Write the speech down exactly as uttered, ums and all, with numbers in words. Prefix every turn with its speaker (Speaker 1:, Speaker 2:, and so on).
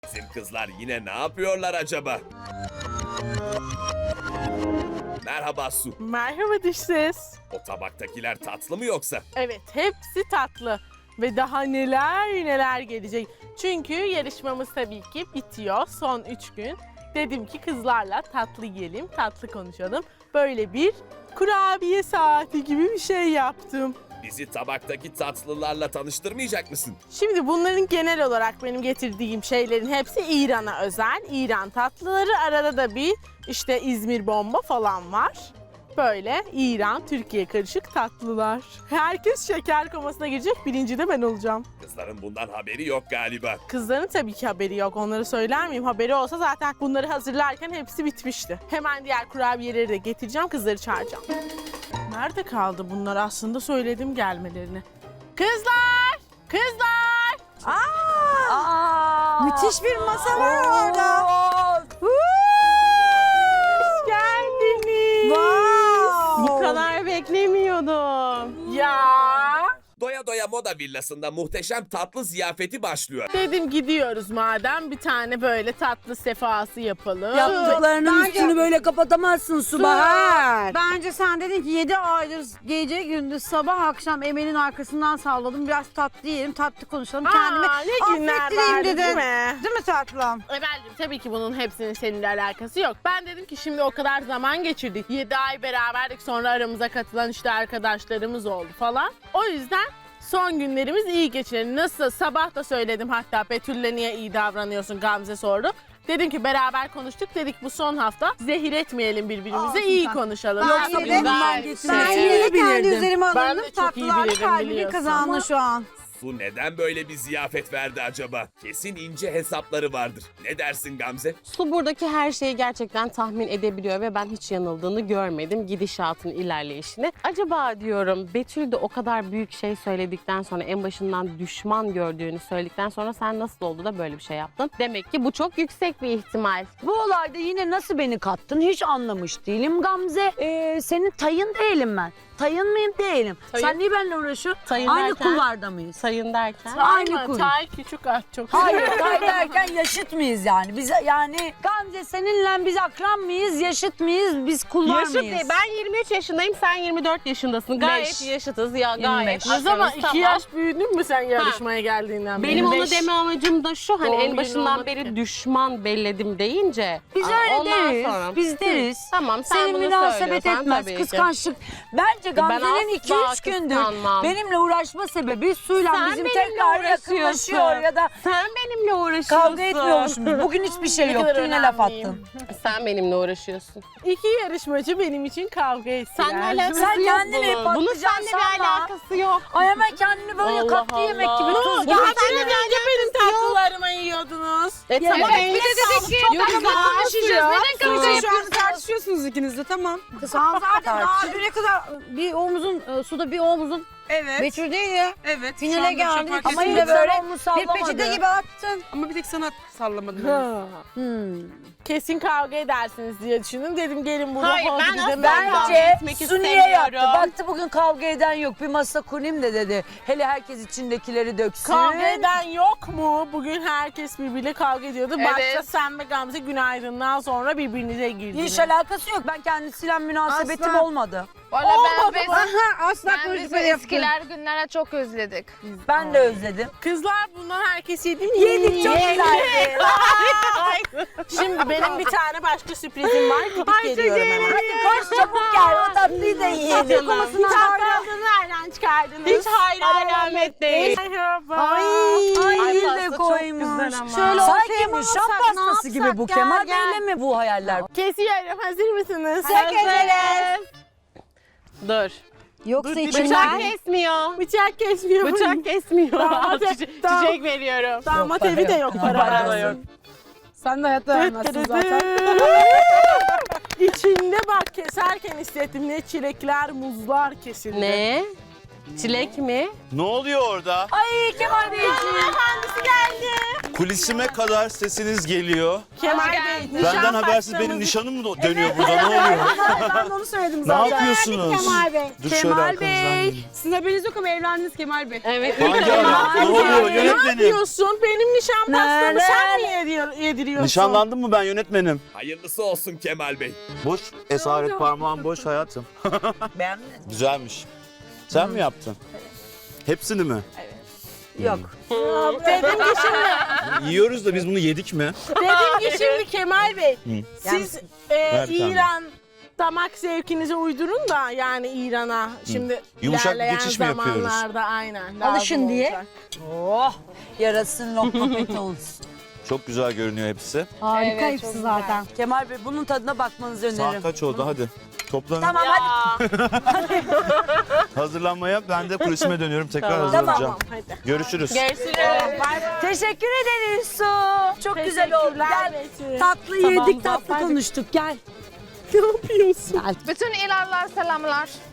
Speaker 1: Bizim kızlar yine ne yapıyorlar acaba? Merhaba Su.
Speaker 2: Merhaba dış ses.
Speaker 1: O tabaktakiler tatlı mı yoksa?
Speaker 2: Evet, hepsi tatlı. Ve daha neler neler gelecek. Çünkü yarışmamız tabii ki bitiyor. Son üç gün. Dedim ki kızlarla tatlı yiyelim, tatlı konuşalım. Böyle bir kurabiye saati gibi bir şey yaptım.
Speaker 1: Bizi tabaktaki tatlılarla tanıştırmayacak mısın?
Speaker 2: Şimdi bunların genel olarak benim getirdiğim şeylerin hepsi İran'a özel. İran tatlıları, arada da bir işte İzmir bomba falan var. Böyle İran, Türkiye karışık tatlılar. Herkes şeker komasına girecek, birinci de ben olacağım.
Speaker 1: Kızların bundan haberi yok galiba.
Speaker 2: Kızların tabii ki haberi yok, onları söyler miyim? Haberi olsa zaten bunları hazırlarken hepsi bitmişti. Hemen diğer kurabiyeleri de getireceğim, kızları çağıracağım. Nerede kaldı bunlar? Aslında söyledim gelmelerini. Kızlar! Kızlar!
Speaker 3: Aa, Aa,
Speaker 4: müthiş bir masa var orada.
Speaker 2: Hoş geldiniz.
Speaker 4: Wow.
Speaker 2: Bu kadar beklemiyordum. Ya.
Speaker 1: Doya Doya Moda Villası'nda muhteşem tatlı ziyafeti başlıyor.
Speaker 2: Dedim gidiyoruz madem, bir tane böyle tatlı sefası yapalım.
Speaker 4: Yaptıklarının
Speaker 3: Bence-
Speaker 4: üstünü böyle kapatamazsın Subahar.
Speaker 3: Bence sen dedin ki yedi aydır gece gündüz sabah akşam Emel'in arkasından salladım. Biraz tatlı yiyelim, tatlı konuşalım.
Speaker 2: Aa,
Speaker 3: Kendimi
Speaker 2: ne günler
Speaker 3: affettireyim
Speaker 2: vardı,
Speaker 3: dedin.
Speaker 2: değil mi?
Speaker 3: Değil mi tatlım?
Speaker 2: Emel'cim tabii ki bunun hepsinin seninle alakası yok. Ben dedim ki şimdi o kadar zaman geçirdik. yedi ay beraberdik, sonra aramıza katılan işte arkadaşlarımız oldu falan. O yüzden son günlerimiz iyi geçirelim. Nasıl? Sabah da söyledim hatta, Betül'le niye iyi davranıyorsun Gamze sordu. Dedim ki beraber konuştuk, dedik bu son hafta zehir etmeyelim birbirimize,
Speaker 3: Olsun
Speaker 2: iyi
Speaker 3: tatlım.
Speaker 2: konuşalım.
Speaker 3: Ben
Speaker 2: Yoksa
Speaker 3: yine de-
Speaker 2: bundan
Speaker 4: Ben
Speaker 2: geçsin.
Speaker 3: Ben
Speaker 4: Seni
Speaker 3: yine de kendi
Speaker 4: bilirdim.
Speaker 3: üzerime
Speaker 2: Ben de
Speaker 3: alındım.
Speaker 2: çok iyi
Speaker 3: Tatlılar
Speaker 2: bilirim,
Speaker 3: kalbimi
Speaker 2: biliyorsun.
Speaker 3: kazandı
Speaker 2: Ama-
Speaker 3: şu an.
Speaker 1: Su neden böyle bir ziyafet verdi acaba? Kesin ince hesapları vardır. Ne dersin Gamze?
Speaker 5: Su buradaki her şeyi gerçekten tahmin edebiliyor ve ben hiç yanıldığını görmedim gidişatın ilerleyişini. Acaba diyorum Betül de o kadar büyük şey söyledikten sonra, en başından düşman gördüğünü söyledikten sonra sen nasıl oldu da böyle bir şey yaptın? Demek ki bu çok yüksek bir ihtimal.
Speaker 4: Bu olayda yine nasıl beni kattın hiç anlamış değilim Gamze. Ee, senin tayın değilim ben. Tayın mıyım değilim.
Speaker 5: Tayın-
Speaker 4: Sen niye benimle uğraşıyorsun?
Speaker 5: Tayın
Speaker 4: Aynı
Speaker 5: derken?
Speaker 4: kulvarda mıyız?
Speaker 5: Sayın derken.
Speaker 4: Aynı
Speaker 2: Aynı
Speaker 4: kurum.
Speaker 2: Tay küçük at çok.
Speaker 4: Hayır, tay derken yaşıt mıyız yani? Biz yani Gamze seninle biz akran mıyız, yaşıt mıyız, biz kulvar
Speaker 5: Yaşıt
Speaker 4: mıyız?
Speaker 5: değil. Ben yirmi üç yaşındayım, sen yirmi dört yaşındasın. Gayet
Speaker 4: Beş.
Speaker 5: yaşıtız ya,
Speaker 4: yirmi
Speaker 5: gayet.
Speaker 4: beş.
Speaker 2: Ne zaman
Speaker 5: akrabız,
Speaker 2: iki
Speaker 5: tamam.
Speaker 2: yaş büyüdün mü sen yarışmaya geldiğinden beri?
Speaker 5: Benim onu
Speaker 4: beş.
Speaker 5: deme amacım da şu, hani
Speaker 2: Doğum
Speaker 5: en
Speaker 2: günün
Speaker 5: başından
Speaker 2: olmadı
Speaker 5: beri
Speaker 2: ki.
Speaker 5: düşman belledim deyince.
Speaker 4: Biz
Speaker 5: Aa,
Speaker 4: öyle
Speaker 5: ondan
Speaker 4: deriz.
Speaker 5: sonra-
Speaker 4: Biz deriz.
Speaker 5: Tamam, sen
Speaker 4: Senin
Speaker 5: bunu
Speaker 4: münasebet
Speaker 5: söylüyorsan
Speaker 4: etmez,
Speaker 5: tabii ki.
Speaker 4: kıskançlık. Bence Gamze'nin iki
Speaker 5: asla
Speaker 4: üç gündür
Speaker 5: kıskanmam.
Speaker 4: benimle uğraşma sebebi suyla
Speaker 5: Sen
Speaker 4: bizim
Speaker 5: benimle
Speaker 4: tekrar
Speaker 5: uğraşıyorsun.
Speaker 4: yakınlaşıyor ya da
Speaker 5: Sen benimle uğraşıyorsun.
Speaker 4: kavga etmiyormuşuz. Bugün hiçbir şey
Speaker 2: Ne
Speaker 4: yoktu,
Speaker 2: kadar
Speaker 4: yine laf
Speaker 2: önemliyim.
Speaker 4: attın.
Speaker 5: Sen benimle uğraşıyorsun.
Speaker 2: İki yarışmacı benim için kavga ettiler.
Speaker 5: Seninle alakası
Speaker 4: Sen
Speaker 5: yok
Speaker 4: kendini
Speaker 5: bunun. Bunun
Speaker 4: patlıcan
Speaker 5: seninle bir
Speaker 4: sanma.
Speaker 5: alakası yok.
Speaker 4: Ay hemen kendini böyle
Speaker 5: Allah
Speaker 4: katlı yemek
Speaker 5: Allah.
Speaker 4: gibi tuz gibi.
Speaker 2: Ya
Speaker 5: Bunun
Speaker 2: seninle
Speaker 5: seninle
Speaker 2: önce benim tatlılarımı yiyordunuz.
Speaker 5: E tamam,
Speaker 4: Evet,
Speaker 5: eline
Speaker 4: bir de
Speaker 5: sağlık.
Speaker 4: dedik ki-
Speaker 5: Çok
Speaker 4: Yok,
Speaker 5: güzel.
Speaker 4: konuşacağız. Neden kavga
Speaker 3: Şu
Speaker 4: yapıyorsunuz?
Speaker 3: an tartışıyorsunuz ikiniz de, tamam. Sen zaten daha düne kadar bir omuzun, e, suda bir omuzun
Speaker 6: Evet.
Speaker 3: Betül değil ya.
Speaker 6: Evet.
Speaker 3: Finale
Speaker 6: şu anda bir şey
Speaker 3: geldik.
Speaker 6: fark
Speaker 3: Ama
Speaker 6: etmiyor.
Speaker 3: yine böyle
Speaker 4: onu
Speaker 3: bir
Speaker 4: sallamadı.
Speaker 3: peçete gibi attın.
Speaker 6: Ama bir tek sana sallamadım.
Speaker 2: Ha.
Speaker 4: Hmm.
Speaker 2: Kesin kavga edersiniz diye düşündüm. Dedim gelin burada
Speaker 5: Hayır,
Speaker 2: hadi
Speaker 5: ben
Speaker 2: gidelim.
Speaker 5: asla-
Speaker 4: Bence
Speaker 5: etmek
Speaker 4: Su niye yaptı?
Speaker 5: istemiyorum.
Speaker 4: Baktı bugün kavga eden yok. Bir masa kurayım da dedi. Hele herkes içindekileri döksün.
Speaker 2: Kavga eden yok mu? Bugün herkes birbiriyle kavga ediyordu.
Speaker 5: Evet.
Speaker 2: Başta sen ve Gamze günaydın'dan sonra birbirinize girdiniz.
Speaker 4: Hiç alakası yok. Ben kendisiyle münasebetim
Speaker 3: Asla.
Speaker 4: olmadı.
Speaker 7: Valla ben biz,
Speaker 3: Aha, asla
Speaker 7: ben biz
Speaker 3: konuşma
Speaker 7: o
Speaker 3: yaptın.
Speaker 7: eskiler günlere çok özledik.
Speaker 4: Ben de özledim.
Speaker 2: Kızlar bundan herkes yedi mi?
Speaker 4: Yedik çok
Speaker 2: Yedi.
Speaker 4: güzeldi.
Speaker 2: Şimdi benim bir tane başka sürprizim var. Gidip geliyorum hemen.
Speaker 4: Hadi koş çabuk gel. O tatlıyı da yiyelim.
Speaker 2: Bir tatlısını nereden çıkardınız?
Speaker 5: Hiç hayır alamet değil.
Speaker 2: Merhaba.
Speaker 4: Ay,
Speaker 5: Ay,
Speaker 4: iyi
Speaker 5: pasta
Speaker 4: de
Speaker 5: çok
Speaker 4: koymuş.
Speaker 5: güzel ama.
Speaker 4: Şöyle
Speaker 3: ortaya
Speaker 4: Sanki
Speaker 3: mı
Speaker 4: bu şam
Speaker 3: alsak, ne
Speaker 4: pastası gibi
Speaker 3: yapsak?
Speaker 4: bu.
Speaker 3: Gel,
Speaker 4: Kemal
Speaker 3: gel.
Speaker 4: Bey'le mi bu hayaller?
Speaker 2: Kesiyorum. Hazır mısınız?
Speaker 5: Hazırız. Dur.
Speaker 3: Yoksa
Speaker 5: Bıçak
Speaker 3: içinden...
Speaker 5: kesmiyor.
Speaker 2: Bıçak kesmiyor.
Speaker 5: Bıçak kesmiyor.
Speaker 2: Damat-
Speaker 5: Çiçek,
Speaker 2: damat-
Speaker 5: çiçek veriyorum.
Speaker 2: Damat
Speaker 4: Yok,
Speaker 2: evi de
Speaker 4: para
Speaker 2: yok.
Speaker 4: yok.
Speaker 2: Para
Speaker 4: Para
Speaker 2: versin.
Speaker 4: yok.
Speaker 3: Sen de hayatta vermezsin zaten.
Speaker 2: İçinde bak keserken hissettim ne çilekler, muzlar kesildi.
Speaker 5: Ne? Çilek mi?
Speaker 6: Ne oluyor orada?
Speaker 4: Ay Kemal Beyciğim.
Speaker 2: Efendisi geldi.
Speaker 6: Kulisime kadar sesiniz geliyor.
Speaker 2: Kemal Bey.
Speaker 6: Benden habersiz benim nişanım mı do- dönüyor burada? Ne oluyor?
Speaker 3: Ben de onu söyledim
Speaker 6: Ne
Speaker 3: zaten.
Speaker 6: yapıyorsunuz?
Speaker 3: Kemal Bey.
Speaker 6: Dur şöyle
Speaker 4: Kemal
Speaker 6: arkanızdan
Speaker 4: Bey.
Speaker 6: gelin.
Speaker 3: Sizin haberiniz yok ama evlendiniz Kemal Bey.
Speaker 5: Evet.
Speaker 6: Hangi ara? Ne oluyor
Speaker 2: Ne
Speaker 6: yönetmenim?
Speaker 2: yapıyorsun? Benim nişan pastamı sen mi yediyor- yediriyorsun?
Speaker 6: Nişanlandım mı ben yönetmenim?
Speaker 1: Hayırlısı olsun Kemal Bey.
Speaker 6: Boş, esaret parmağım boş hayatım.
Speaker 4: Beğendin mi?
Speaker 6: Güzelmiş. Sen mi yaptın? Hepsini mi?
Speaker 4: Yok.
Speaker 2: Dedim ki şimdi,
Speaker 6: Yiyoruz da biz bunu yedik mi?
Speaker 2: dedim ki şimdi Kemal Bey, siz e,
Speaker 6: Ver bir tane.
Speaker 2: İran damak zevkinize uydurun da yani İran'a şimdi
Speaker 6: Yumuşak bir
Speaker 2: ilerleyen
Speaker 6: geçiş mi yapıyoruz?
Speaker 2: zamanlarda aynen.
Speaker 3: Alışın
Speaker 2: lazım
Speaker 3: diye.
Speaker 2: olacak.
Speaker 4: Oh yarasın lokma pek olsun.
Speaker 6: Çok güzel görünüyor hepsi.
Speaker 3: Harika
Speaker 7: Evet,
Speaker 3: hepsi
Speaker 7: çok
Speaker 3: zaten.
Speaker 4: Kemal Bey bunun tadına bakmanızı
Speaker 6: Saat
Speaker 4: öneririm.
Speaker 6: kaç oldu hadi. Toplanın.
Speaker 4: Tamam hadi.
Speaker 6: Hazırlanmaya ben de kulisime dönüyorum. Tekrar
Speaker 2: Tamam.
Speaker 6: hazırlanacağım.
Speaker 2: Tamam hadi.
Speaker 6: Görüşürüz.
Speaker 2: Görüşürüz.
Speaker 4: Teşekkür ederiz Su. Çok güzel oldu.
Speaker 2: Teşekkürler
Speaker 4: Gel.
Speaker 2: Betül.
Speaker 4: Tatlı
Speaker 2: Tamam,
Speaker 4: yedik tatlı
Speaker 2: zaten-
Speaker 4: konuştuk gel.
Speaker 2: Ne yapıyorsun?
Speaker 7: Bütün İranlar selamlar.